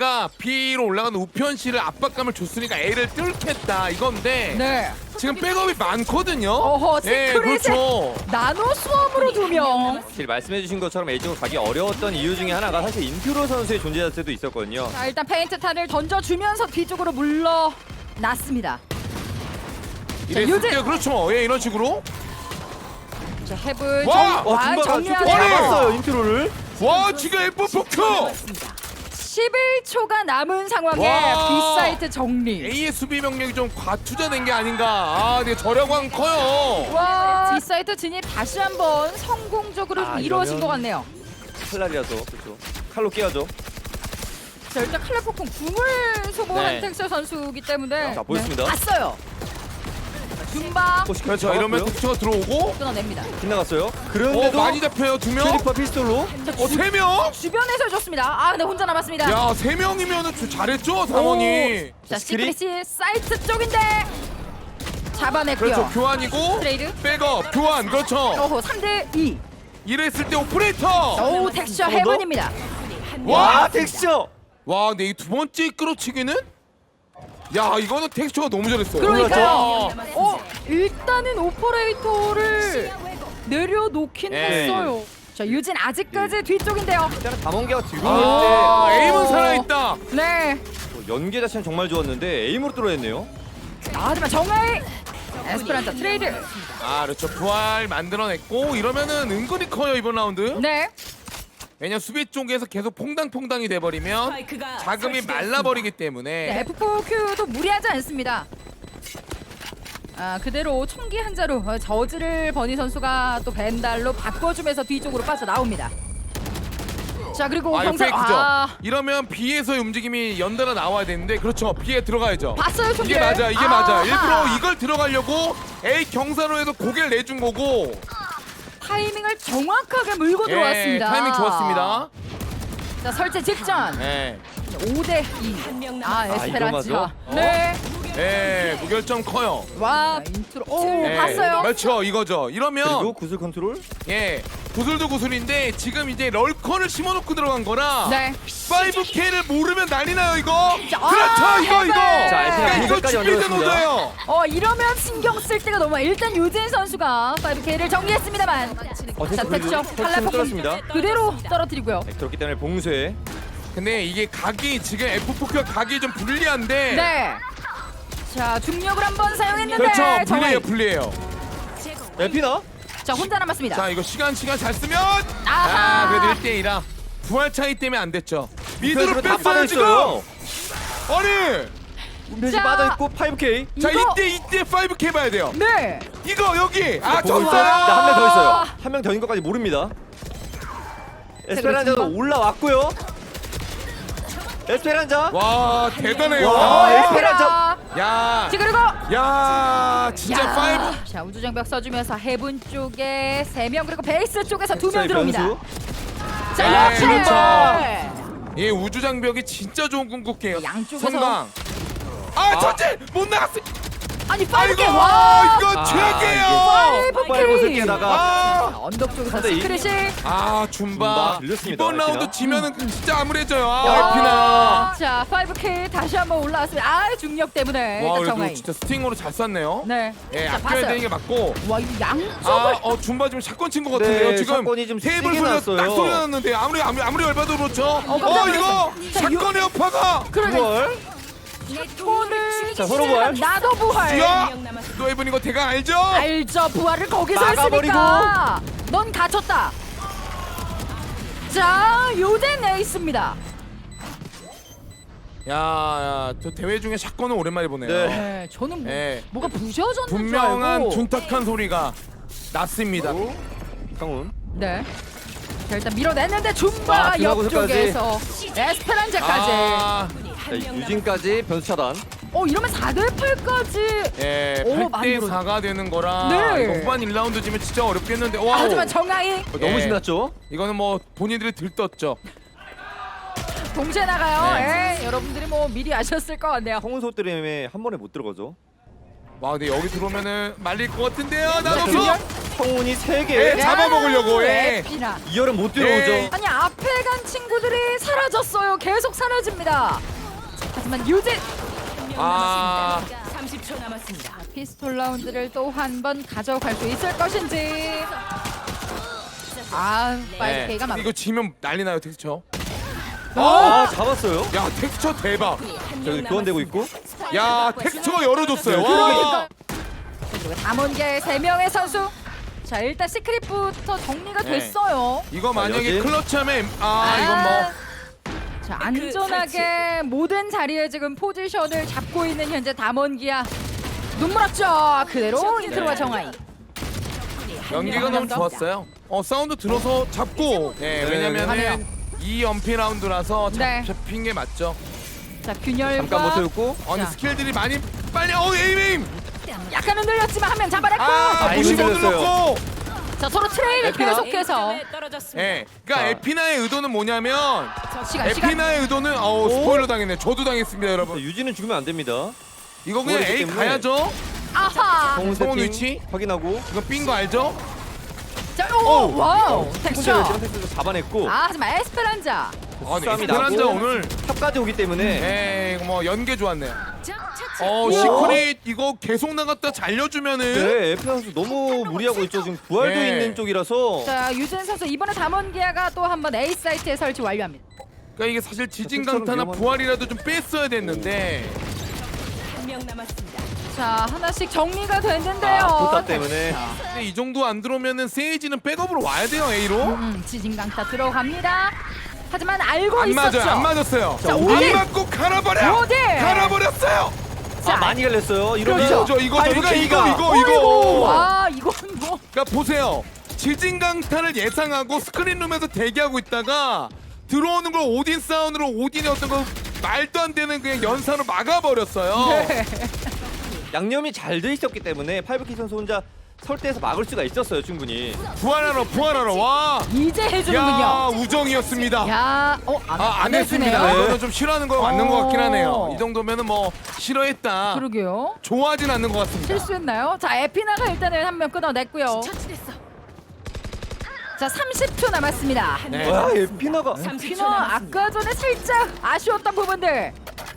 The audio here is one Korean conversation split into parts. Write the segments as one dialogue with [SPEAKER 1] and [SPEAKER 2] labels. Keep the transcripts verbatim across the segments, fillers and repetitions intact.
[SPEAKER 1] 내가 B로 올라가는 우편 씨를 압박감을 줬으니까 A를 뚫겠다 이건데
[SPEAKER 2] 네.
[SPEAKER 1] 지금 백업이 많거든요.
[SPEAKER 2] 어허,
[SPEAKER 1] 예,
[SPEAKER 2] 시크릿의
[SPEAKER 1] 그렇죠.
[SPEAKER 2] 나노 수험으로 두 명.
[SPEAKER 3] 사실 말씀해주신 것처럼 A쪽으로 가기 어려웠던 이유 중에 하나가 사실 인퓨로 선수의 존재 자체도 있었거든요.
[SPEAKER 2] 자, 일단 페인트 탄을 던져주면서 뒤쪽으로 물러났습니다.
[SPEAKER 1] 이랬을
[SPEAKER 2] 요즘-
[SPEAKER 1] 때 그렇죠. 예, 이런 식으로.
[SPEAKER 2] 자, 헤븐
[SPEAKER 1] 와!
[SPEAKER 2] 정,
[SPEAKER 3] 와,
[SPEAKER 2] 와,
[SPEAKER 3] 줌바가
[SPEAKER 2] 정리하고
[SPEAKER 3] 좀
[SPEAKER 1] 아니!
[SPEAKER 3] 잡았어요, 인퓨로를.
[SPEAKER 1] 와, 지금 에프 포크.
[SPEAKER 2] 십일 초가 남은 상황에
[SPEAKER 1] 와!
[SPEAKER 2] B사이트 정리.
[SPEAKER 1] A의 수비 명령이 좀 과투자된 게 아닌가. 아, 근데 저력은 커요.
[SPEAKER 2] 와, B사이트 진입 다시 한번 성공적으로
[SPEAKER 3] 아,
[SPEAKER 2] 이루어진
[SPEAKER 3] 이러면-
[SPEAKER 2] 것 같네요.
[SPEAKER 3] 칼날이라서 그렇죠. 칼로 깨야죠.
[SPEAKER 2] 자, 일단 칼날 폭풍 궁을 소모한
[SPEAKER 3] 네.
[SPEAKER 2] 텍스 선수이기 때문에
[SPEAKER 3] 자, 보였습니다.
[SPEAKER 2] 네, 봤어요. 줌바
[SPEAKER 3] 혹시
[SPEAKER 1] 그렇죠.
[SPEAKER 3] 결
[SPEAKER 1] 이러면 텍스처가 들어오고
[SPEAKER 2] 끊어냅니다.
[SPEAKER 3] 빗나갔어요.
[SPEAKER 1] 어,
[SPEAKER 3] 그런데도
[SPEAKER 1] 많이 잡혀요. 두 명.
[SPEAKER 3] 캐리파 피스톨로
[SPEAKER 1] 어, 세 명?
[SPEAKER 2] 주변에서 해줬습니다. 아, 근데 혼자 남았습니다.
[SPEAKER 1] 야, 세 명이면은 좀 잘했죠, 상원이.
[SPEAKER 2] 자,
[SPEAKER 3] 스크린?
[SPEAKER 2] 시크릿이 사이트 쪽인데 잡아냈고요.
[SPEAKER 1] 그렇죠. 교환이고
[SPEAKER 2] 트레이드.
[SPEAKER 1] 백업, 교환. 그렇죠.
[SPEAKER 2] 어호, 삼 대 이.
[SPEAKER 1] 이랬을 때 오퍼레이터.
[SPEAKER 2] 오, 텍스처
[SPEAKER 3] 어, 너?
[SPEAKER 2] 헤븐입니다.
[SPEAKER 3] 와 텍스처.
[SPEAKER 1] 와, 근데 이 두 번째 끌어치기는 야, 이거는 텍스처가 너무 잘했어요.
[SPEAKER 2] 그러니까요.
[SPEAKER 1] 와.
[SPEAKER 2] 어, 일단은 오퍼레이터를 내려놓긴
[SPEAKER 1] 네.
[SPEAKER 2] 했어요. 자, 유진 아직까지 뒤쪽인데요.
[SPEAKER 3] 일단은 담원기가 들고
[SPEAKER 1] 아,
[SPEAKER 3] 있을 때
[SPEAKER 1] 에임은 살아있다.
[SPEAKER 2] 네.
[SPEAKER 3] 어, 연계 자체는 정말 좋았는데 에임으로 뚫어냈네요.
[SPEAKER 2] 아, 하지만 정하이 에스페란자 트레이드.
[SPEAKER 1] 아, 그렇죠. 부활 만들어냈고 이러면은 은근히 커요, 이번 라운드.
[SPEAKER 2] 네.
[SPEAKER 1] 왜냐면 수비 쪽에서 계속 퐁당퐁당이 돼버리면 자금이 말라버리기 때문에
[SPEAKER 2] 네, 에프 포 큐도 무리하지 않습니다. 아, 그대로 총기 한 자루 어, 저지를 버니 선수가 또 벤달로 바꿔주면서 뒤쪽으로 빠져나옵니다. 자, 그리고
[SPEAKER 1] 아, 이거
[SPEAKER 2] 경사
[SPEAKER 1] 페이크죠.
[SPEAKER 2] 아,
[SPEAKER 1] 이러면 B에서의 움직임이 연달아 나와야 되는데 그렇죠. B에 들어가야죠.
[SPEAKER 2] 봤어요, 총기.
[SPEAKER 1] 이게 맞아, 이게 맞아.
[SPEAKER 2] 아하.
[SPEAKER 1] 일부러 이걸 들어가려고 A 경사로에서 고개를 내준 거고.
[SPEAKER 2] 타이밍을 정확하게 물고
[SPEAKER 1] 예,
[SPEAKER 2] 들어왔습니다.
[SPEAKER 1] 타이밍 좋았습니다.
[SPEAKER 2] 자, 설치 직전.
[SPEAKER 1] 예,
[SPEAKER 2] 오 대 이. 아, 에스페란자.
[SPEAKER 3] 이거 맞아?
[SPEAKER 2] 네.
[SPEAKER 1] 예, 무결점 커요.
[SPEAKER 2] 와, 인트로. 오,
[SPEAKER 1] 예,
[SPEAKER 2] 봤어요.
[SPEAKER 1] 그렇죠, 이거죠. 이러면
[SPEAKER 3] 그리고 구슬 컨트롤.
[SPEAKER 1] 예, 구슬도 구슬인데 지금 이제 럴컨을 심어놓고 들어간 거라
[SPEAKER 2] 네.
[SPEAKER 1] 파이브 케이를 모르면 난리 나요, 이거.
[SPEAKER 2] 자,
[SPEAKER 1] 그렇죠,
[SPEAKER 2] 아,
[SPEAKER 1] 이거, 이거.
[SPEAKER 2] 해발.
[SPEAKER 3] 자, 에스페란자
[SPEAKER 1] 그러니까 이거
[SPEAKER 3] 공격까지
[SPEAKER 1] 준비된
[SPEAKER 3] 만들었습니다.
[SPEAKER 1] 노자예요.
[SPEAKER 2] 어, 이러면 신경 쓸 때가 너무 많아요. 일단 유진 선수가 파이브 케이를 정리했습니다만.
[SPEAKER 3] 어,
[SPEAKER 2] 자,
[SPEAKER 3] 텍스처
[SPEAKER 2] 텍스처
[SPEAKER 3] 텍스처
[SPEAKER 2] 칼날 폭풍
[SPEAKER 3] 뚫었습니다.
[SPEAKER 2] 그대로 떨어뜨리고요.
[SPEAKER 3] 네, 그렇기 때문에 봉쇄.
[SPEAKER 1] 근데 이게 각이 지금 에프 포크가 각이 좀 불리한데.
[SPEAKER 2] 네. 자, 중력을 한번 사용했는데
[SPEAKER 1] 그렇죠,
[SPEAKER 2] 정말-
[SPEAKER 1] 불리해요, 불리해요.
[SPEAKER 3] 에피나?
[SPEAKER 2] 자, 혼자 남았습니다.
[SPEAKER 1] 자, 이거 시간 시간 잘 쓰면
[SPEAKER 2] 아하.
[SPEAKER 1] 아, 그래도 일 대 이라 부활 차이 때문에 안 됐죠. 미드로
[SPEAKER 3] 미드로 다
[SPEAKER 1] 뺐어요, 지금.
[SPEAKER 3] 빠져있어요.
[SPEAKER 1] 아니,
[SPEAKER 3] 운변시
[SPEAKER 2] 자.
[SPEAKER 3] 빠져있고 파이브 케이.
[SPEAKER 1] 자,
[SPEAKER 2] 이거-
[SPEAKER 1] 이때 이때 파이브 케이 봐야 돼요.
[SPEAKER 2] 네.
[SPEAKER 1] 이거 여기. 아,
[SPEAKER 3] 보고 있어요.
[SPEAKER 1] 졌어요.
[SPEAKER 3] 한 명 더 있어요. 한 명 더인 것까지 모릅니다. 에스페란자도
[SPEAKER 2] 그렇습니다.
[SPEAKER 3] 올라왔고요. 에스페란자.
[SPEAKER 1] 와, 대단해요.
[SPEAKER 3] 와,
[SPEAKER 1] 아,
[SPEAKER 3] 에스페란자.
[SPEAKER 1] 야,
[SPEAKER 2] 자, 그리고
[SPEAKER 1] 야, 진짜
[SPEAKER 2] 야.
[SPEAKER 1] 파이브.
[SPEAKER 2] 자, 우주장벽 써주면서 해븐 쪽에 세 명 그리고 베이스 쪽에서 두 명
[SPEAKER 3] 텍스처의
[SPEAKER 2] 들어옵니다.
[SPEAKER 3] 변수.
[SPEAKER 2] 자,
[SPEAKER 1] 네,
[SPEAKER 2] 역시
[SPEAKER 1] 그렇죠. 예, 우주 장벽이 진짜 좋은 궁극기예요.
[SPEAKER 2] 양쪽에서-
[SPEAKER 1] 성강. 아, 전체 못 나갔어.
[SPEAKER 2] 아니 파이브
[SPEAKER 1] 아이고,
[SPEAKER 2] 케이 와.
[SPEAKER 1] 이거
[SPEAKER 3] 아,
[SPEAKER 1] 최악이에요.
[SPEAKER 2] 파이브
[SPEAKER 3] 폭발 곳을
[SPEAKER 2] 케이.
[SPEAKER 3] 깨다가
[SPEAKER 1] 아,
[SPEAKER 2] 언덕 쪽에서
[SPEAKER 3] 삼 대 이.
[SPEAKER 2] 시크릿이
[SPEAKER 1] 아, 줌바.
[SPEAKER 3] 줌바 들렸습니다,
[SPEAKER 1] 이번 라운드
[SPEAKER 3] 에피나.
[SPEAKER 1] 지면은 진짜 암울해져요. 아,
[SPEAKER 2] 야.
[SPEAKER 1] 에피나.
[SPEAKER 2] 자, 파이브 케이 다시 한번 올라왔습니다. 아, 중력 때문에
[SPEAKER 1] 와,
[SPEAKER 2] 일단
[SPEAKER 1] 그래도
[SPEAKER 2] 정하이.
[SPEAKER 1] 진짜 스팅으로 잘 쐈네요.
[SPEAKER 2] 네.
[SPEAKER 1] 예,
[SPEAKER 2] 자,
[SPEAKER 1] 아껴야
[SPEAKER 2] 봤어요.
[SPEAKER 1] 되는 게 맞고.
[SPEAKER 2] 와, 이 양쪽을
[SPEAKER 1] 아, 어, 줌바 지금 샷건 친 것 같은데요.
[SPEAKER 3] 네,
[SPEAKER 1] 지금
[SPEAKER 3] 샷건이 좀
[SPEAKER 1] 테이블
[SPEAKER 3] 세게
[SPEAKER 1] 소리가
[SPEAKER 3] 났어요.
[SPEAKER 1] 딱 소리 났는데 아무리 아무리 아무리 열받아도 그렇죠. 어,
[SPEAKER 2] 깜짝
[SPEAKER 1] 이거
[SPEAKER 2] 놀랐어요. 자,
[SPEAKER 1] 샷건의 여파가.
[SPEAKER 2] 그러네.
[SPEAKER 3] 부활.
[SPEAKER 2] 오늘
[SPEAKER 3] 자, 서로 부활.
[SPEAKER 2] 나도 부활.
[SPEAKER 1] 야, 또 이분 이거 대강 알죠?
[SPEAKER 2] 알죠, 부활을 거기서
[SPEAKER 3] 막아버리고.
[SPEAKER 2] 했으니까. 넌 갇혔다. 자, 요덴 에이스입니다.
[SPEAKER 1] 야, 야, 저 대회 중에 샷건은 오랜만에 보네요.
[SPEAKER 3] 네.
[SPEAKER 2] 네, 저는 뭐,
[SPEAKER 1] 예.
[SPEAKER 2] 뭐가 부셔졌는 줄
[SPEAKER 1] 분명한
[SPEAKER 2] 알고.
[SPEAKER 1] 둔탁한 소리가 났습니다.
[SPEAKER 3] 강훈.
[SPEAKER 2] 네. 자, 일단 밀어냈는데
[SPEAKER 3] 아,
[SPEAKER 2] 줌바
[SPEAKER 3] 드라곤까지.
[SPEAKER 2] 옆쪽에서 에스페란자까지.
[SPEAKER 1] 아,
[SPEAKER 3] 자, 유진까지 변수 차단.
[SPEAKER 2] 어, 이러면 사 대 팔까지.
[SPEAKER 1] 예,
[SPEAKER 2] 오,
[SPEAKER 1] 팔
[SPEAKER 2] 많이
[SPEAKER 1] 대
[SPEAKER 2] 늘었네.
[SPEAKER 1] 사가 되는 거라
[SPEAKER 2] 네.
[SPEAKER 1] 이거 후반 일 라운드 지면 진짜 어렵겠는데. 와,
[SPEAKER 2] 하지만 정하이
[SPEAKER 3] 어, 너무
[SPEAKER 1] 예.
[SPEAKER 3] 신났죠?
[SPEAKER 1] 이거는 뭐 본인들이 들떴죠.
[SPEAKER 2] 동시에 나가요.
[SPEAKER 1] 네.
[SPEAKER 2] 예, 여러분들이 뭐 미리 아셨을 것 같네요.
[SPEAKER 3] 성운소 때문에 한 번에 못 들어가죠.
[SPEAKER 1] 와, 근데 여기 들어오면은 말릴 것 같은데요.
[SPEAKER 2] 자,
[SPEAKER 1] 나도
[SPEAKER 2] 균열.
[SPEAKER 3] 성운이 세 개.
[SPEAKER 1] 예, 잡아먹으려고, 예.
[SPEAKER 2] 에피나.
[SPEAKER 3] 이열은 못 들어오죠.
[SPEAKER 1] 예.
[SPEAKER 2] 아니 앞에 간 친구들이 사라졌어요. 계속 사라집니다. 하지만 유진
[SPEAKER 1] 아,
[SPEAKER 4] 삼십 초 남았습니다.
[SPEAKER 2] 피스톨 라운드를 또 한 번 가져갈 수 있을 것인지. 아, 파이브 케이가 막.
[SPEAKER 1] 네. 이거 지면 난리 나요, 텍스처.
[SPEAKER 3] 아, 잡았어요.
[SPEAKER 1] 야, 텍스처 대박.
[SPEAKER 3] 저기 교환되고 있고.
[SPEAKER 1] 야, 텍스처가 열어줬어요.
[SPEAKER 3] 네,
[SPEAKER 1] 와.
[SPEAKER 2] 그리고 담원계 세 명의 선수. 자 일단 시크릿부터 정리가
[SPEAKER 1] 네.
[SPEAKER 2] 됐어요.
[SPEAKER 1] 이거 만약에
[SPEAKER 3] 여진?
[SPEAKER 1] 클러치하면 아, 이건 뭐
[SPEAKER 2] 자 안전하게 모든 자리에 지금 포지션을 잡고 있는 현재 담원기야. 눈물 없죠. 그대로 인트로와 정하이.
[SPEAKER 1] 연기가 너무 좋았어요. 어, 사운드 들어서 잡고. 예,
[SPEAKER 3] 네,
[SPEAKER 1] 왜냐면은
[SPEAKER 2] 하네요.
[SPEAKER 1] 이 연피 라운드라서 잡,
[SPEAKER 2] 네.
[SPEAKER 1] 잡힌 게 맞죠.
[SPEAKER 2] 자 균열과
[SPEAKER 3] 잠깐 못 세웠고.
[SPEAKER 1] 어, 근데
[SPEAKER 2] 자.
[SPEAKER 1] 스킬들이 많이 빨리 어, 에임 에임.
[SPEAKER 2] 약간 흔들렸지만 한 명 잡아냈고.
[SPEAKER 1] 아,
[SPEAKER 3] 아이고,
[SPEAKER 1] 무시 못
[SPEAKER 3] 흔들렸어요.
[SPEAKER 1] 눌렀고.
[SPEAKER 2] 자 서로 트레이드
[SPEAKER 3] 에피나?
[SPEAKER 2] 계속해서.
[SPEAKER 4] 떨어졌습니다.
[SPEAKER 1] 예. 그러니까
[SPEAKER 3] 자.
[SPEAKER 1] 에피나의 의도는 뭐냐면
[SPEAKER 2] 시간 시간.
[SPEAKER 1] 에피나의 의도는 어, 스포일러 당했네. 저도 당했습니다, 여러분.
[SPEAKER 3] 유진은 죽으면 안 됩니다.
[SPEAKER 1] 이거 그냥
[SPEAKER 3] 그거기
[SPEAKER 1] A
[SPEAKER 3] 때문에.
[SPEAKER 1] 가야죠.
[SPEAKER 2] 아하.
[SPEAKER 3] 성운
[SPEAKER 1] 성운
[SPEAKER 3] 세팅
[SPEAKER 1] 위치?
[SPEAKER 3] 확인하고.
[SPEAKER 1] 이거 삔 거 알죠?
[SPEAKER 2] 자 오, 와우.
[SPEAKER 3] 혼자
[SPEAKER 2] 텍스처.
[SPEAKER 3] 열심히 텍스처 잡아냈고.
[SPEAKER 2] 아 하지만 에스페란자.
[SPEAKER 1] 아, 네.
[SPEAKER 3] 싸움이
[SPEAKER 1] 에스페란자
[SPEAKER 3] 나고.
[SPEAKER 1] 오늘
[SPEAKER 3] 탑까지 오기 때문에.
[SPEAKER 1] 예, 이거 뭐 연계 좋았네요.
[SPEAKER 4] 자,
[SPEAKER 1] 어,
[SPEAKER 2] 우와.
[SPEAKER 1] 시크릿 이거 계속 나갔다 잘려주면은
[SPEAKER 3] 네, 에피 선수 너무 무리하고 있죠. 지금 부활도
[SPEAKER 1] 네.
[SPEAKER 3] 있는 쪽이라서.
[SPEAKER 2] 자 유진 선수 이번에 담원기아가 또 한 번 A 사이트에 설치 완료합니다.
[SPEAKER 1] 그러니까 이게 사실 지진
[SPEAKER 3] 텍스처럼
[SPEAKER 1] 강타나
[SPEAKER 3] 위험한-
[SPEAKER 1] 부활이라도 좀 뺐어야 됐는데
[SPEAKER 4] 한 명 남았습니다.
[SPEAKER 2] 자 하나씩 정리가 됐는데요.
[SPEAKER 3] 아, 포탑 때문에.
[SPEAKER 1] 근데 이 정도 안 들어오면은 세이지는 백업으로 와야 돼요, A로.
[SPEAKER 2] 음, 지진강타 들어갑니다. 하지만 알고
[SPEAKER 1] 안
[SPEAKER 2] 있었죠.
[SPEAKER 1] 맞아요, 안 맞았어요.
[SPEAKER 2] 자,
[SPEAKER 1] 안
[SPEAKER 2] 오딘!
[SPEAKER 1] 맞고 갈아버려.
[SPEAKER 2] 오딘!
[SPEAKER 1] 갈아버렸어요.
[SPEAKER 2] 자,
[SPEAKER 3] 아, 많이 갈렸어요. 이러면
[SPEAKER 2] 그렇죠.
[SPEAKER 1] 이거 이거
[SPEAKER 3] 파이브
[SPEAKER 1] 이거
[SPEAKER 3] K가.
[SPEAKER 1] 이거 이거 이거.
[SPEAKER 2] 와 이건 뭐
[SPEAKER 1] 그러니까 보세요. 지진 강타를 예상하고 스크린룸에서 대기하고 있다가 들어오는 걸 오딘 사운드로 오딘의 어떤 거 말도 안 되는 그냥 연사로 막아버렸어요.
[SPEAKER 2] 네.
[SPEAKER 3] 양념이 잘 돼 있었기 때문에 파이브키 선수 혼자 설대에서 막을 수가 있었어요, 충분히.
[SPEAKER 1] 부활하러 부활하러 와.
[SPEAKER 2] 이제
[SPEAKER 1] 야
[SPEAKER 2] 해주는군요.
[SPEAKER 1] 우정이었습니다.
[SPEAKER 2] 야, 어, 안,
[SPEAKER 1] 아, 안 했습니다.
[SPEAKER 2] 해주네요.
[SPEAKER 1] 이거는 좀 싫어하는 거 맞는 것 같긴 하네요.
[SPEAKER 2] 어.
[SPEAKER 1] 이 정도면은 뭐 싫어했다.
[SPEAKER 2] 그러게요.
[SPEAKER 1] 좋아하진 않는 것 같습니다.
[SPEAKER 2] 실수했나요? 자, 에피나가 일단은 한 명 끊어냈고요.
[SPEAKER 4] 처치됐어.
[SPEAKER 2] 자, 삼십 초 남았습니다.
[SPEAKER 1] 네.
[SPEAKER 3] 와, 에피나가.
[SPEAKER 4] 삼십 초
[SPEAKER 2] 피너
[SPEAKER 4] 남았습니다.
[SPEAKER 2] 아까 전에 살짝 아쉬웠던 부분들.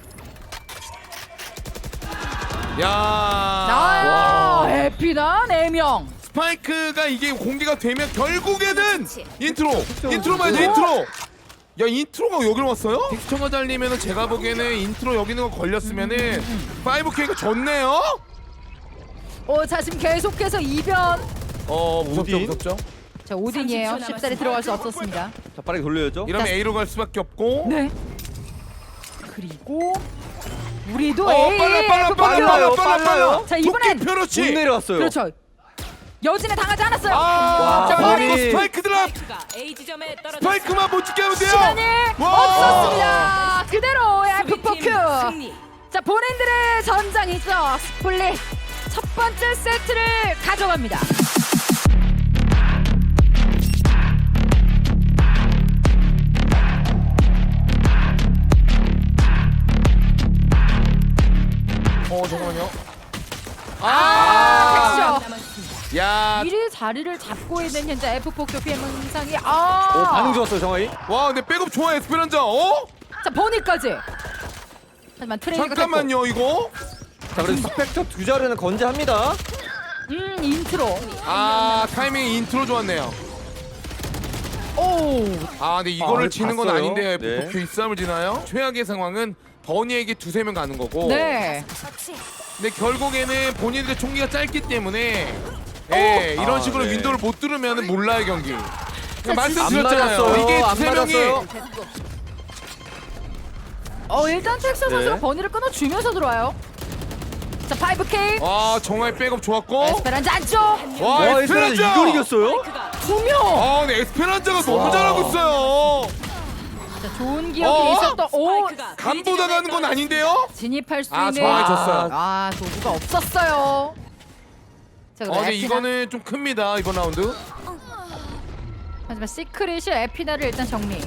[SPEAKER 1] 야.
[SPEAKER 2] 아, 에피나 네 명.
[SPEAKER 1] 스파이크가 이게 공개가 되면 결국에는 인트로.
[SPEAKER 3] 그쵸,
[SPEAKER 1] 인트로 봐야 돼.
[SPEAKER 3] 그쵸.
[SPEAKER 1] 인트로. 야, 인트로가 여기로 왔어요? 텍스처가 잘리면은 제가 보기에는 인트로 여기 있는 거 걸렸으면은 파이브 케이가 졌네요.
[SPEAKER 2] 어, 자, 지금 계속해서 이변.
[SPEAKER 1] 어, 무섭죠,
[SPEAKER 3] 오딘?
[SPEAKER 1] 무섭죠.
[SPEAKER 2] 자, 오딘이에요.
[SPEAKER 4] 삼십 초
[SPEAKER 2] 쉽사리 들어갈 수 없었습니다.
[SPEAKER 3] 자, 빠르게 돌려야죠.
[SPEAKER 1] 이러면
[SPEAKER 2] 자,
[SPEAKER 1] A로 갈 수밖에 없고.
[SPEAKER 2] 네. 그리고 우리도
[SPEAKER 1] 어,
[SPEAKER 2] 에이,
[SPEAKER 1] 빨라 빨라
[SPEAKER 2] 그
[SPEAKER 1] 빨라
[SPEAKER 3] 빨라요,
[SPEAKER 1] 빨라 빨라
[SPEAKER 3] 빨라요.
[SPEAKER 1] 빨라.
[SPEAKER 2] 자, 이번엔
[SPEAKER 1] 도끼 펴놓지.
[SPEAKER 3] 못 내려왔어요.
[SPEAKER 2] 그렇죠. 여진에 당하지 않았어요.
[SPEAKER 1] 아,
[SPEAKER 3] 와,
[SPEAKER 1] 자,
[SPEAKER 3] 머리.
[SPEAKER 1] 그리고 스파이크 드랍.
[SPEAKER 4] 스파이크가 A 지점에 떨어졌습니다.
[SPEAKER 1] 스파이크만 못 찍게 하면 돼요.
[SPEAKER 2] 시간이
[SPEAKER 1] 와.
[SPEAKER 2] 없었습니다. 그대로 에프 포
[SPEAKER 4] 수비팀
[SPEAKER 2] 큐.
[SPEAKER 4] 승리.
[SPEAKER 2] 자, 본인들의 전장이죠. 스플릿 첫 번째 세트를 가져갑니다.
[SPEAKER 1] 어, 잠깐만요.
[SPEAKER 2] 아,
[SPEAKER 1] 아,
[SPEAKER 2] 텍스처.
[SPEAKER 4] 남았습니다.
[SPEAKER 1] 야,
[SPEAKER 2] 일 위 자리를 잡고 있는 현재 에프 포 큐 피엠 현상이 아.
[SPEAKER 3] 오, 반응 좋았어요, 정하이.
[SPEAKER 1] 와, 근데 백업 좋아 에스페란자. 어?
[SPEAKER 2] 자, 보니까지. 하지만 트레이드가
[SPEAKER 1] 잠깐만요, 이거.
[SPEAKER 3] 자, 그래서 스펙터 두 자루는 건재합니다.
[SPEAKER 2] 됐고. 음, 인트로.
[SPEAKER 1] 아, 타이밍 인트로 좋았네요.
[SPEAKER 2] 오.
[SPEAKER 1] 아, 근데 이거를
[SPEAKER 3] 아,
[SPEAKER 1] 지는 건
[SPEAKER 3] 봤어요.
[SPEAKER 1] 아닌데요.
[SPEAKER 3] 네.
[SPEAKER 1] 에프포큐 이 싸움을 지나요? 최악의 상황은 버니에게 두세 명 가는 거고.
[SPEAKER 2] 네.
[SPEAKER 1] 근데 결국에는 본인들의 총기가 짧기 때문에 예, 이런
[SPEAKER 3] 아,
[SPEAKER 1] 식으로
[SPEAKER 3] 네.
[SPEAKER 1] 윈도우를 못 뚫으면 몰라요, 경기. 그냥
[SPEAKER 3] 안
[SPEAKER 1] 말씀드렸잖아요.
[SPEAKER 3] 맞았어요.
[SPEAKER 1] 이게
[SPEAKER 3] 안
[SPEAKER 1] 두세 명이
[SPEAKER 3] 맞았어요.
[SPEAKER 2] 어, 일단 텍스 선수가
[SPEAKER 3] 네.
[SPEAKER 2] 버니를 끊어 주면서 들어와요. 자, 파이브 케이.
[SPEAKER 1] 와, 정말 백업 좋았고.
[SPEAKER 2] 에스페란자 안쪽.
[SPEAKER 1] 와,
[SPEAKER 3] 와, 에스페란자
[SPEAKER 1] 에스페란자.
[SPEAKER 3] 이걸 이겼어요?
[SPEAKER 4] 스파이크가
[SPEAKER 2] 두 명.
[SPEAKER 1] 아, 근데 에스페란자가 너무
[SPEAKER 3] 와.
[SPEAKER 1] 잘하고 있어요.
[SPEAKER 2] 자, 좋은 기억이
[SPEAKER 1] 어?
[SPEAKER 2] 있었던 오.
[SPEAKER 4] 스파이크가
[SPEAKER 1] 간보다 가는 건 아닌데요?
[SPEAKER 2] 진입할 수
[SPEAKER 1] 아,
[SPEAKER 2] 있는
[SPEAKER 1] 정말 졌어요.
[SPEAKER 2] 아, 도구가 없었어요. 자,
[SPEAKER 1] 어,
[SPEAKER 2] 그럼
[SPEAKER 1] 근데
[SPEAKER 2] 에피나.
[SPEAKER 1] 이거는 좀 큽니다, 이번 라운드.
[SPEAKER 2] 하지만 시크릿이 에피나를 일단 정리.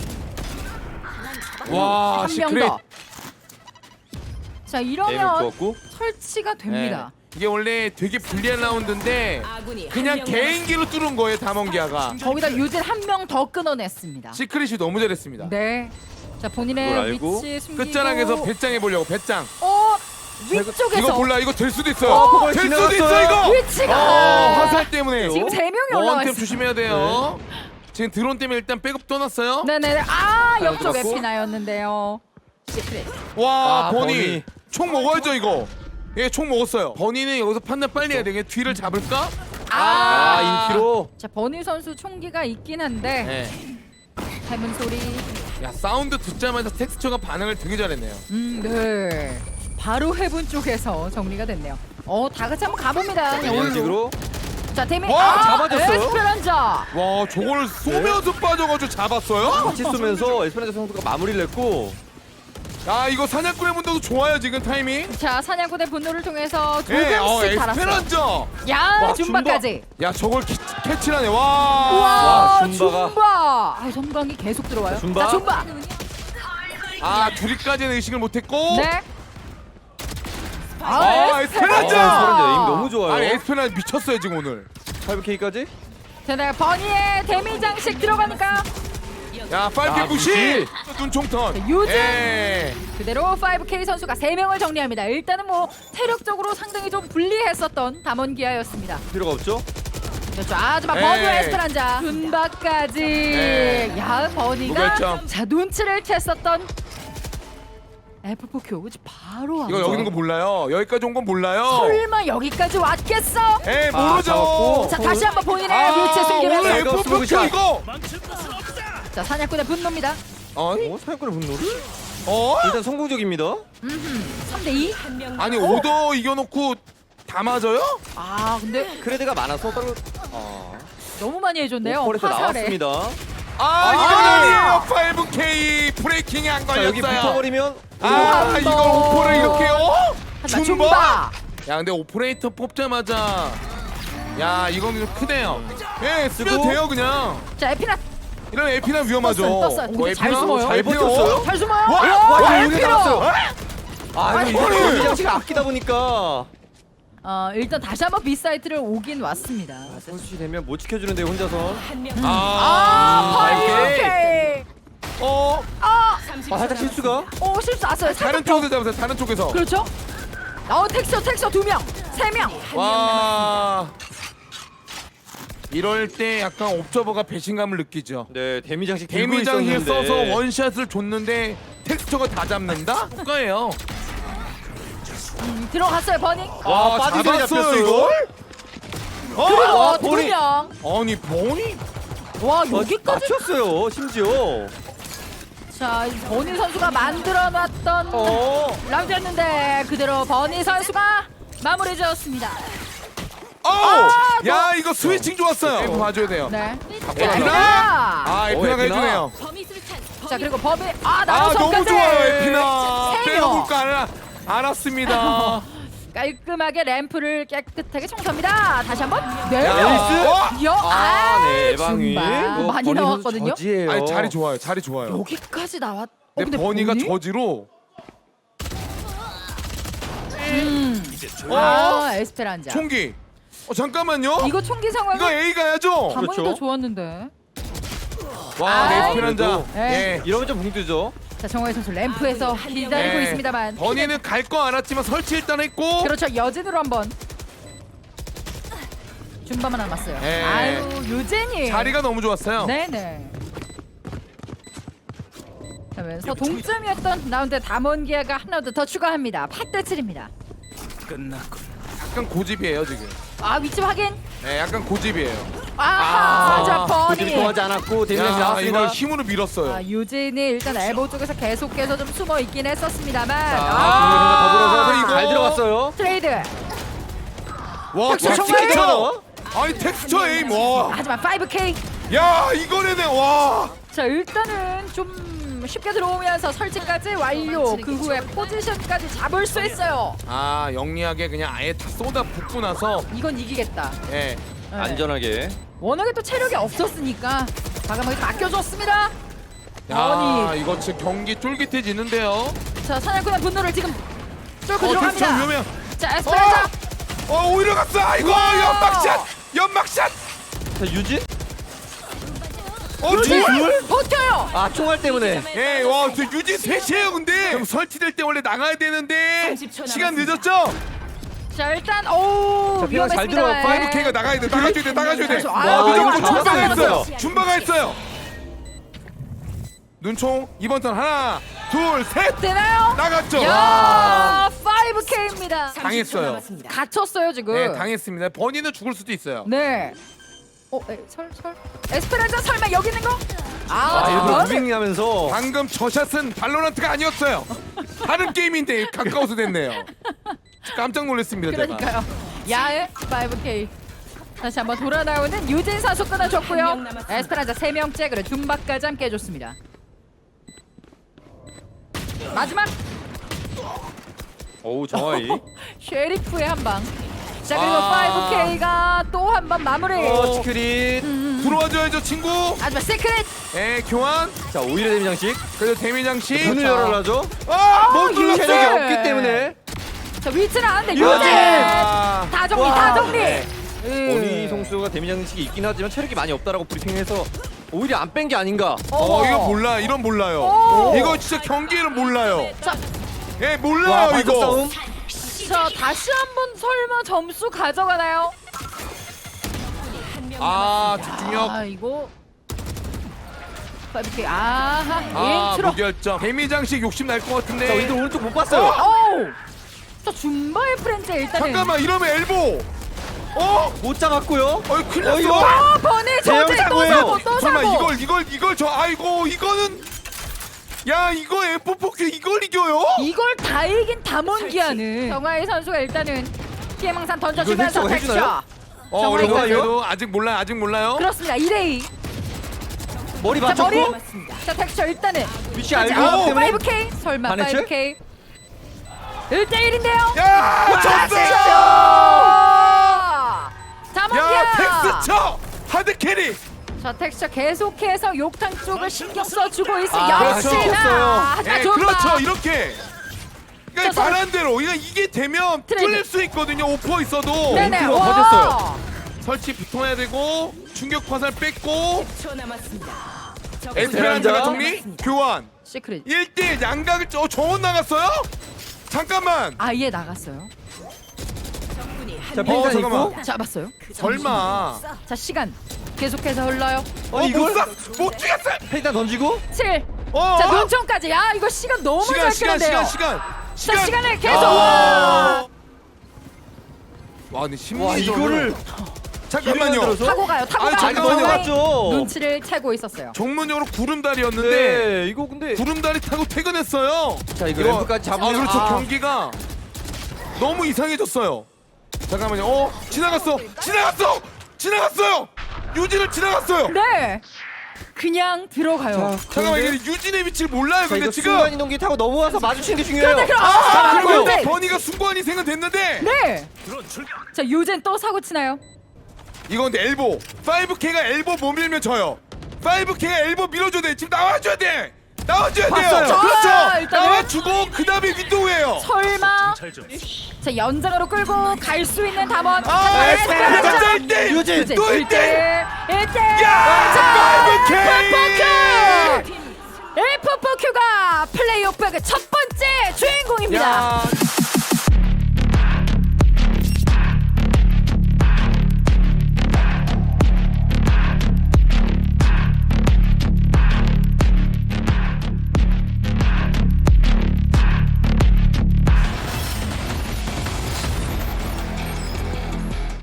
[SPEAKER 1] 와,
[SPEAKER 2] 한 명
[SPEAKER 1] 시크릿.
[SPEAKER 2] 더. 자,
[SPEAKER 3] 에이밍
[SPEAKER 2] 이러면
[SPEAKER 3] 좋았고.
[SPEAKER 2] 설치가 됩니다.
[SPEAKER 1] 네. 이게 원래 되게 불리한 라운드인데
[SPEAKER 4] 아군이
[SPEAKER 1] 그냥
[SPEAKER 4] 한명
[SPEAKER 1] 개인기로 뚫은 거예요 다mon기아가.
[SPEAKER 2] 거기다 유진 한 명 더 끊어냈습니다.
[SPEAKER 1] 시크릿이 너무 잘했습니다.
[SPEAKER 2] 네. 자
[SPEAKER 3] 그걸
[SPEAKER 2] 본인의
[SPEAKER 3] 알고
[SPEAKER 2] 위치 숨기고
[SPEAKER 1] 끝자락에서 배짱해 보려고 배짱.
[SPEAKER 2] 어 위쪽에서
[SPEAKER 1] 이거 몰라 이거 될 수도 있어요.
[SPEAKER 2] 어,
[SPEAKER 1] 될 수도
[SPEAKER 3] 지나갔어요.
[SPEAKER 1] 있어 이거.
[SPEAKER 2] 위치가
[SPEAKER 1] 어, 화살 때문에
[SPEAKER 2] 지금 세 명이 올라와
[SPEAKER 1] 원템
[SPEAKER 2] 있어요.
[SPEAKER 1] 조심해야 돼요. 지금 드론 때문에 일단 백업 떠났어요.
[SPEAKER 2] 네네. 아 옆쪽
[SPEAKER 3] 들어갔고.
[SPEAKER 2] 에피나였는데요. 시크릿.
[SPEAKER 1] 와
[SPEAKER 3] 아,
[SPEAKER 1] 버니.
[SPEAKER 3] 버니.
[SPEAKER 1] 총 먹어야죠 이거. 예, 총 먹었어요. 버니는 여기서 판단 빨리 해야 되게 뒤를 잡을까?
[SPEAKER 2] 아,
[SPEAKER 3] 아 인피로.
[SPEAKER 2] 자 버니 선수 총기가 있긴 한데
[SPEAKER 1] 네.
[SPEAKER 2] 해문 소리.
[SPEAKER 1] 야 사운드 듣자마자 텍스처가 반응을 되게 잘했네요.
[SPEAKER 2] 음, 네. 바로 해븐 쪽에서 정리가 됐네요. 어, 다 같이 한번 가봅니다. 그냥
[SPEAKER 3] 이런
[SPEAKER 2] 올로.
[SPEAKER 3] 식으로.
[SPEAKER 2] 자, 데미.
[SPEAKER 1] 와,
[SPEAKER 2] 아,
[SPEAKER 3] 잡아줬어요.
[SPEAKER 2] 에스페란자.
[SPEAKER 1] 와 저걸 쏘면서 빠져가지고 잡았어요?
[SPEAKER 3] 같이 쏘면서 에스페란자 선수가 마무리를 했고.
[SPEAKER 1] 야 이거 사냥꾼의 문도도 좋아요 지금 타이밍.
[SPEAKER 2] 자, 사냥꾼의 분노를 통해서 두
[SPEAKER 1] 예, 어
[SPEAKER 2] 명씩 달았어요.
[SPEAKER 1] 에스페란자.
[SPEAKER 2] 야,
[SPEAKER 3] 와,
[SPEAKER 2] 줌바까지.
[SPEAKER 1] 야 저걸 키, 캐치하네 와.
[SPEAKER 2] 와,
[SPEAKER 3] 와,
[SPEAKER 2] 줌바.
[SPEAKER 3] 줌바가.
[SPEAKER 2] 아, 전광이 계속 들어와요.
[SPEAKER 3] 줌바.
[SPEAKER 2] 자, 줌바.
[SPEAKER 1] 아 둘이까지는 의식을 못했고.
[SPEAKER 2] 네.
[SPEAKER 1] 아, 에스페란자!
[SPEAKER 3] 아, 에스페란자 에임 너무 좋아요.
[SPEAKER 1] 아니 에스페란자 미쳤어요 지금 오늘.
[SPEAKER 3] 파이브 케이까지.
[SPEAKER 2] 자, 버니의 데미 장식 들어가니까
[SPEAKER 1] 야 파이브
[SPEAKER 3] 야,
[SPEAKER 1] 구십 눈총턴.
[SPEAKER 2] 자, 유진.
[SPEAKER 1] 예.
[SPEAKER 2] 그대로 파이브 케이 선수가 세 명을 정리합니다. 일단은 뭐 체력적으로 상당히 좀 불리했었던 담원기아였습니다.
[SPEAKER 3] 필요가 없죠.
[SPEAKER 2] 그렇죠. 아주마
[SPEAKER 1] 에이.
[SPEAKER 2] 버니와 에스페란자 줌바까지.
[SPEAKER 1] 에이.
[SPEAKER 2] 야 버니가
[SPEAKER 1] 무결점.
[SPEAKER 2] 자 눈치를 챘었던 에프 포 큐 바로
[SPEAKER 1] 이거
[SPEAKER 2] 왔죠.
[SPEAKER 1] 여기 있는 거 몰라요. 여기까지 온 건 몰라요.
[SPEAKER 2] 설마 여기까지 왔겠어?
[SPEAKER 1] 에
[SPEAKER 3] 아,
[SPEAKER 1] 모르죠.
[SPEAKER 3] 잡았고.
[SPEAKER 2] 자 다시 한번 본인의
[SPEAKER 1] 아,
[SPEAKER 2] 위치에
[SPEAKER 1] 오늘
[SPEAKER 2] 숨기면서
[SPEAKER 3] 잘
[SPEAKER 1] 에프 포 큐
[SPEAKER 3] 샷.
[SPEAKER 1] 이거.
[SPEAKER 2] 자 사냥꾼의 분노입니다.
[SPEAKER 1] 어?
[SPEAKER 3] 어 사냥꾼의 분노를.
[SPEAKER 1] 어?
[SPEAKER 3] 일단 성공적입니다.
[SPEAKER 2] 삼 대 이.
[SPEAKER 4] 한명
[SPEAKER 1] 아니 오더 이겨놓고 다 맞아요?
[SPEAKER 2] 아 근데
[SPEAKER 3] 크레드가 많아서 따로. 아.
[SPEAKER 2] 너무 많이 해줬네요.
[SPEAKER 3] 오퍼에서
[SPEAKER 2] 화살에.
[SPEAKER 3] 나왔습니다.
[SPEAKER 1] 아 이건
[SPEAKER 3] 아니.
[SPEAKER 1] 아니에요. 파이브 케이 브레이킹이 안
[SPEAKER 3] 자 여기
[SPEAKER 1] 걸렸어요.
[SPEAKER 3] 붙어버리면.
[SPEAKER 1] 아
[SPEAKER 2] 한
[SPEAKER 1] 이걸
[SPEAKER 2] 번.
[SPEAKER 1] 오퍼를 이렇게요?
[SPEAKER 2] 하지만
[SPEAKER 1] 줌바?
[SPEAKER 2] 줌바.
[SPEAKER 1] 야 근데 오퍼레이터 뽑자마자 야 이건 좀 크네요. 예 쓰면
[SPEAKER 3] 쓰고.
[SPEAKER 1] 돼요 그냥.
[SPEAKER 2] 자 에피나
[SPEAKER 1] 이런 에피나 위험하죠.
[SPEAKER 2] 떴어요, 떴어요.
[SPEAKER 1] 어,
[SPEAKER 2] 근데 잘
[SPEAKER 1] 에피나?
[SPEAKER 2] 숨어요.
[SPEAKER 1] 잘
[SPEAKER 3] 에피나?
[SPEAKER 1] 버텼어요?
[SPEAKER 2] 잘 숨어요.
[SPEAKER 1] 와,
[SPEAKER 2] 와,
[SPEAKER 3] 와,
[SPEAKER 2] 와
[SPEAKER 3] 여기
[SPEAKER 2] 에피나.
[SPEAKER 3] 나왔어요. 아
[SPEAKER 2] 아니,
[SPEAKER 3] 이거
[SPEAKER 1] 아니.
[SPEAKER 3] 이거 장치가 아끼다 보니까.
[SPEAKER 2] 어 일단 다시 한번 B 사이트를 오긴 왔습니다.
[SPEAKER 3] 선수시 되면 못 지켜주는데 혼자서.
[SPEAKER 4] 한명
[SPEAKER 1] 아,
[SPEAKER 2] 아, 파이브 케이.
[SPEAKER 1] 어
[SPEAKER 2] 아,
[SPEAKER 4] 삼십
[SPEAKER 3] 아 살짝 실수가.
[SPEAKER 2] 오 실수 났어요.
[SPEAKER 1] 다른 쪽에서 잡으세요. 다른 쪽에서.
[SPEAKER 2] 그렇죠? 어 텍스처 텍스처 두 명, 세 명.
[SPEAKER 1] 와. 이럴 때 약간 옵저버가 배신감을 느끼죠.
[SPEAKER 3] 네 데미 장식 들고
[SPEAKER 1] 데미장에
[SPEAKER 3] 있었는데.
[SPEAKER 1] 써서 원샷을 줬는데 텍스처가 다 잡는다? 뭐가예요?
[SPEAKER 2] 음, 들어갔어요 버니.
[SPEAKER 3] 와,
[SPEAKER 1] 아,
[SPEAKER 3] 빠지게
[SPEAKER 1] 잡았어요,
[SPEAKER 3] 잡혔어요.
[SPEAKER 1] 이걸?
[SPEAKER 2] 그리고
[SPEAKER 1] 어?
[SPEAKER 2] 두
[SPEAKER 3] 버니.
[SPEAKER 2] 명.
[SPEAKER 1] 아니 버니?
[SPEAKER 2] 와
[SPEAKER 3] 어,
[SPEAKER 2] 여기까지.
[SPEAKER 3] 맞췄어요 심지어.
[SPEAKER 2] 자 이 버니 선수가 만들어놨던
[SPEAKER 3] 어.
[SPEAKER 2] 라운드였는데 그대로 버니 선수가 마무리 지었습니다.
[SPEAKER 1] 어!
[SPEAKER 2] 아,
[SPEAKER 1] 야 이거 스위칭 좋았어요. 이거 봐줘야 돼요.
[SPEAKER 2] 네.
[SPEAKER 1] 에피나?
[SPEAKER 2] 에피나.
[SPEAKER 1] 아 에피나가
[SPEAKER 3] 에피나.
[SPEAKER 1] 해주네요.
[SPEAKER 2] 자 그리고 범위 아
[SPEAKER 1] 아
[SPEAKER 2] 나노성까지.
[SPEAKER 1] 너무 좋아요 에피나.
[SPEAKER 2] 세 명.
[SPEAKER 1] 빼놓을 거 알아, 알았습니다.
[SPEAKER 2] 깔끔하게 램프를 깨끗하게 청소합니다. 다시 한번 네
[SPEAKER 1] 야,
[SPEAKER 2] 명.
[SPEAKER 1] 나이스.
[SPEAKER 2] 여,
[SPEAKER 3] 아, 네,
[SPEAKER 2] 줌바.
[SPEAKER 3] 예방위. 뭐,
[SPEAKER 2] 많이
[SPEAKER 3] 버니 선수
[SPEAKER 2] 나왔거든요.
[SPEAKER 3] 저지예요.
[SPEAKER 1] 아니 자리 좋아요. 자리 좋아요.
[SPEAKER 2] 여기까지 나왔. 어,
[SPEAKER 1] 근데 버니가
[SPEAKER 2] 버니?
[SPEAKER 1] 저지로
[SPEAKER 2] 음.
[SPEAKER 1] 어?
[SPEAKER 2] 아 에스페란자.
[SPEAKER 1] 총기. 어 잠깐만요.
[SPEAKER 2] 이거 총기 상황은
[SPEAKER 1] 이거 A 가야죠.
[SPEAKER 2] 가만히
[SPEAKER 3] 그렇죠.
[SPEAKER 2] 더 좋았는데.
[SPEAKER 1] 와
[SPEAKER 2] 아이,
[SPEAKER 1] 에스페란자.
[SPEAKER 2] 네.
[SPEAKER 1] 예.
[SPEAKER 3] 이러면 좀 붕뜨죠.
[SPEAKER 2] 자 정화의 선수 램프에서 기다리고
[SPEAKER 1] 예.
[SPEAKER 2] 있습니다만.
[SPEAKER 1] 버니는 갈 거 알았지만 설치 일단 했고.
[SPEAKER 2] 그렇죠 여진으로 한번. 줌바만 남았어요.
[SPEAKER 1] 예.
[SPEAKER 2] 아유 유진이.
[SPEAKER 1] 자리가 너무 좋았어요.
[SPEAKER 2] 네네. 그러면서 동점이었던 라운드 담원기아가 한 라운드 더 추가합니다. 팔 대 칠입니다.
[SPEAKER 1] 약간 고집이에요 지금.
[SPEAKER 2] 아 위치 확인.
[SPEAKER 1] 네, 약간 고집이에요.
[SPEAKER 2] 아하
[SPEAKER 1] 아,
[SPEAKER 2] 자
[SPEAKER 3] 고집이
[SPEAKER 2] 버니.
[SPEAKER 3] 통하지 않았고 데미 장식
[SPEAKER 1] 야,
[SPEAKER 3] 나왔습니다.
[SPEAKER 1] 이걸 힘으로 밀었어요.
[SPEAKER 2] 아, 유진이 일단 엘보 쪽에서 계속해서 좀 숨어 있긴 했었습니다만.
[SPEAKER 3] 아, 더불어서
[SPEAKER 1] 이거.
[SPEAKER 3] 잘 들어갔어요.
[SPEAKER 2] 트레이드.
[SPEAKER 1] 와,
[SPEAKER 2] 텍스처
[SPEAKER 1] 텍스처.
[SPEAKER 2] 정말.
[SPEAKER 1] 아니 텍스처 에임 와.
[SPEAKER 2] 하지만 파이브 케이.
[SPEAKER 1] 야, 이거네네 와.
[SPEAKER 2] 자 일단은 좀 쉽게 들어오면서 설치까지 완료. 그 후에 포지션까지 잡을 수 있어요.
[SPEAKER 1] 아, 영리하게 그냥 아예 다 쏟아 붓고 나서
[SPEAKER 2] 이건 이기겠다.
[SPEAKER 1] 예.
[SPEAKER 2] 네.
[SPEAKER 3] 안전하게.
[SPEAKER 2] 워낙에 또 체력이 없었으니까 과감하게 맡겨줬습니다.
[SPEAKER 1] 야,
[SPEAKER 2] 버니.
[SPEAKER 1] 이거 진짜 경기 쫄깃해지는데요.
[SPEAKER 2] 자 사냥꾼의 분노를 지금 뚫고
[SPEAKER 1] 어, 텍스처
[SPEAKER 2] 들어갑니다.
[SPEAKER 1] 위험해요.
[SPEAKER 2] 자 에스페란자.
[SPEAKER 1] 어 오히려 갔어. 아이고 연막샷 연막샷.
[SPEAKER 3] 자 유진.
[SPEAKER 1] 어
[SPEAKER 2] 유진
[SPEAKER 1] 둘.
[SPEAKER 2] 버텨요.
[SPEAKER 3] 아 총알 때문에.
[SPEAKER 1] 예, 와, 저 유진 셋이에요, 근데. 형 설치될 때 원래 나가야 되는데
[SPEAKER 4] 삼십 초
[SPEAKER 1] 시간
[SPEAKER 4] 남았습니다.
[SPEAKER 1] 늦었죠?
[SPEAKER 2] 자 일단 오
[SPEAKER 3] 자, 피가 잘
[SPEAKER 2] 위험했습니다.
[SPEAKER 3] 들어갔고
[SPEAKER 1] 파이브 K가 나가야 돼, 나가줘야 돼, 나가줘야 돼.
[SPEAKER 2] 아,
[SPEAKER 1] 와,
[SPEAKER 2] 이거
[SPEAKER 1] 늦었고
[SPEAKER 2] 잡았어요.
[SPEAKER 1] 준바가 했어요.
[SPEAKER 2] 잡았어요.
[SPEAKER 1] 준바가 했어요. 눈총 이번 턴 하나, 둘, 셋
[SPEAKER 2] 되나요?
[SPEAKER 1] 나갔죠.
[SPEAKER 2] 야 파이브 K입니다.
[SPEAKER 4] 삼십 초
[SPEAKER 1] 당했어요.
[SPEAKER 4] 남았습니다.
[SPEAKER 2] 갇혔어요 지금.
[SPEAKER 1] 네, 당했습니다. 버니는 죽을 수도 있어요.
[SPEAKER 2] 네. 어, 에, 설, 설. 에스페란자 설마 여기 있는 거? 아,
[SPEAKER 3] 아 일부러
[SPEAKER 2] 저거는-
[SPEAKER 3] 무빙하면서.
[SPEAKER 1] 방금 저 샷은 발로란트가 아니었어요. 다른 게임인데 가까워서 됐네요. 깜짝 놀랐습니다, 제가.
[SPEAKER 2] 그러니까요. 야의 파이브 K. 다시 한번 돌아 나오는 유진 선수
[SPEAKER 4] 한명
[SPEAKER 2] 끊어줬고요.
[SPEAKER 4] 남았습니다.
[SPEAKER 2] 에스페란자 세 명째 그리고 둠바까지 함께 해줬습니다. 마지막
[SPEAKER 3] 어우 정하이.
[SPEAKER 2] 쉐리프의 한 방. 자 그리고
[SPEAKER 1] 아.
[SPEAKER 2] 파이브 K가 또 한 번 마무리.
[SPEAKER 3] 어 치크릿.
[SPEAKER 1] 들어와줘야죠, 친구.
[SPEAKER 2] 마지막 시크릿.
[SPEAKER 1] 예, 교환.
[SPEAKER 3] 자 오히려 데미 장식.
[SPEAKER 1] 그래도 데미장식.
[SPEAKER 3] 문을 열어라죠.
[SPEAKER 1] 아, 못
[SPEAKER 2] 유진!
[SPEAKER 3] 체력이
[SPEAKER 1] 눌렀어요.
[SPEAKER 3] 없기 때문에.
[SPEAKER 2] 자 위치는 아는데
[SPEAKER 3] 유진!
[SPEAKER 2] 유진.
[SPEAKER 1] 아,
[SPEAKER 2] 다 정리
[SPEAKER 3] 와.
[SPEAKER 2] 다 정리.
[SPEAKER 3] 네.
[SPEAKER 2] 음.
[SPEAKER 3] 버니 성수가 데미 장식이 있긴 하지만 체력이 많이 없다라고 브리핑해서 오히려 안 뺀 게 아닌가.
[SPEAKER 1] 어, 이거 몰라. 이런 몰라요.
[SPEAKER 2] 오.
[SPEAKER 1] 이거 진짜 경기를 몰라요.
[SPEAKER 2] 자,
[SPEAKER 1] 예,
[SPEAKER 3] 와
[SPEAKER 1] 몰라요,
[SPEAKER 3] 발톱
[SPEAKER 1] 이거.
[SPEAKER 3] 싸움.
[SPEAKER 2] 자 다시 한번 설마 점수 가져가나요?
[SPEAKER 4] 한명
[SPEAKER 1] 아,
[SPEAKER 4] 남았습니다.
[SPEAKER 1] 집중력.
[SPEAKER 2] 아 이거 파이브 K 아하
[SPEAKER 1] 아,
[SPEAKER 2] 인트로.
[SPEAKER 1] 무결점. 데미장식 욕심 날 것 같은데.
[SPEAKER 3] 자 이들 오른쪽 못 봤어요.
[SPEAKER 2] 어우. 자 줌바의 프렌즈 일단은.
[SPEAKER 1] 잠깐만, 이러면 엘보. 어?
[SPEAKER 3] 못 잡았고요.
[SPEAKER 1] 어이, 큰일
[SPEAKER 3] 어,
[SPEAKER 1] 났어.
[SPEAKER 3] 이거-
[SPEAKER 2] 아 버니
[SPEAKER 3] 대형
[SPEAKER 2] 저지 또
[SPEAKER 3] 사고예요.
[SPEAKER 2] 사고 또
[SPEAKER 1] 설마
[SPEAKER 2] 사고.
[SPEAKER 1] 이걸 이걸 이걸 저 아이고 이거는 야 이거 에프 포 큐 이걸 이겨요?
[SPEAKER 2] 이걸 다 이긴 담원기아는 정하이 선수가 일단은 피해망상 던져주면서
[SPEAKER 3] 이걸 획득을 해주나요?
[SPEAKER 2] 텍스처.
[SPEAKER 1] 어
[SPEAKER 2] 정말
[SPEAKER 1] 그래도
[SPEAKER 3] 이거요?
[SPEAKER 1] 그래도 아직 몰라요 아직 몰라요.
[SPEAKER 2] 그렇습니다. 이 대 이.
[SPEAKER 3] 머리
[SPEAKER 2] 자 머리.
[SPEAKER 3] 맞췄고.
[SPEAKER 4] 남았습니다.
[SPEAKER 2] 자 텍스처 일단은.
[SPEAKER 3] 위치 알고
[SPEAKER 2] 자,
[SPEAKER 3] 있기 때문에.
[SPEAKER 2] 파이브 K 설마
[SPEAKER 3] 반해체?
[SPEAKER 2] 파이브 K. 일 대 일인데요.
[SPEAKER 1] 야 졌어요.
[SPEAKER 2] 담원기아.
[SPEAKER 1] 야 텍스처 하드 캐리.
[SPEAKER 2] 자 텍스처 계속해서 욕탕 쪽을 신경 써주고 있어.
[SPEAKER 3] 아,
[SPEAKER 2] 역시나.
[SPEAKER 3] 그렇죠.
[SPEAKER 2] 자
[SPEAKER 1] 예
[SPEAKER 2] 줌바.
[SPEAKER 1] 그렇죠 이렇게. 그러니까
[SPEAKER 2] 자,
[SPEAKER 1] 말한 대로 이거 이게 되면
[SPEAKER 2] 트레이드.
[SPEAKER 1] 뚫릴 수 있거든요 오퍼 있어도.
[SPEAKER 2] 네네.
[SPEAKER 3] 인트로가
[SPEAKER 2] 와.
[SPEAKER 3] 버텼어요.
[SPEAKER 1] 설치 붙어야 되고 충격 화살 뺐고
[SPEAKER 4] 십 초 남았습니다. 적군이
[SPEAKER 1] 에스페란자가
[SPEAKER 4] 한명
[SPEAKER 1] 정리
[SPEAKER 4] 남았습니다.
[SPEAKER 1] 교환
[SPEAKER 2] 시크릿.
[SPEAKER 1] 일 대 일 양각을 어 정원 나갔어요? 잠깐만
[SPEAKER 2] 아예 나갔어요.
[SPEAKER 4] 적군이
[SPEAKER 3] 자
[SPEAKER 4] 한명
[SPEAKER 3] 빈산
[SPEAKER 1] 잠깐만.
[SPEAKER 3] 있고.
[SPEAKER 2] 잡았어요.
[SPEAKER 1] 설마
[SPEAKER 2] 자 시간 계속해서 흘러요.
[SPEAKER 1] 어,
[SPEAKER 3] 이걸?
[SPEAKER 1] 못, 쏴! 못 죽였어요.
[SPEAKER 3] 페이탄 던지고.
[SPEAKER 2] 칠.
[SPEAKER 1] 어,
[SPEAKER 2] 자
[SPEAKER 1] 어?
[SPEAKER 2] 눈총까지. 야 이거 시간 너무
[SPEAKER 1] 시간
[SPEAKER 2] 잘
[SPEAKER 1] 시간
[SPEAKER 2] 끄는데요.
[SPEAKER 1] 시간 시간
[SPEAKER 2] 자 시간을 계속.
[SPEAKER 1] 아. 와 근데
[SPEAKER 3] 와
[SPEAKER 1] 심리적으로
[SPEAKER 3] 이거를
[SPEAKER 1] 잠깐만요
[SPEAKER 3] 기회를 들어서?
[SPEAKER 2] 타고 가요. 타고
[SPEAKER 1] 아니,
[SPEAKER 2] 가요.
[SPEAKER 1] 잠깐만요.
[SPEAKER 2] 정말
[SPEAKER 3] 맞죠.
[SPEAKER 2] 눈치를 채고 있었어요.
[SPEAKER 1] 전문용어로 구름다리였는데
[SPEAKER 3] 네 이거 근데.
[SPEAKER 1] 구름다리 타고 퇴근했어요.
[SPEAKER 3] 자 이거 램프까지 잡으면.
[SPEAKER 1] 아 그렇죠
[SPEAKER 3] 아.
[SPEAKER 1] 경기가 너무 이상해졌어요. 잠깐만요. 어 지나갔어 지나갔어 지나갔어요. 유진을 지나갔어요.
[SPEAKER 2] 네. 그냥 들어가요.
[SPEAKER 1] 잠깐만 이게 유진의 위치를 몰라요.
[SPEAKER 3] 자
[SPEAKER 1] 근데
[SPEAKER 3] 이거
[SPEAKER 1] 지금
[SPEAKER 3] 순간 이동기 타고 넘어와서 마주치는 게 중요해요.
[SPEAKER 2] 그런데 그럼-
[SPEAKER 1] 아
[SPEAKER 2] 아,
[SPEAKER 1] 그러면
[SPEAKER 2] 그런데-
[SPEAKER 1] 버니가 순간 희생은 됐는데
[SPEAKER 2] 네. 자 유젠 또 사고 치나요?
[SPEAKER 1] 이거 근데 엘보 파이브 K가 엘보 못 밀면 져요. 파이브 K가 엘보 밀어줘야 돼. 지금 나와줘야 돼. 나와줘야 돼요.
[SPEAKER 3] 봤어요.
[SPEAKER 1] 그렇죠.
[SPEAKER 2] 아, 일단은-
[SPEAKER 1] 나와주고 그 다음에 윈도우예요.
[SPEAKER 2] 설마. 자 연장으로 끌고 갈 수 있는 담원.
[SPEAKER 1] 아 에스페란자
[SPEAKER 2] 에스페란자.
[SPEAKER 1] 일 대 일.
[SPEAKER 3] 유진.
[SPEAKER 2] 유젠
[SPEAKER 1] 또
[SPEAKER 2] 일
[SPEAKER 1] 일 대 일.
[SPEAKER 2] 대 일 대
[SPEAKER 1] 야 파이브 K.
[SPEAKER 2] 에프포큐가 플레이오프의 첫 번째 주인공입니다.
[SPEAKER 1] 야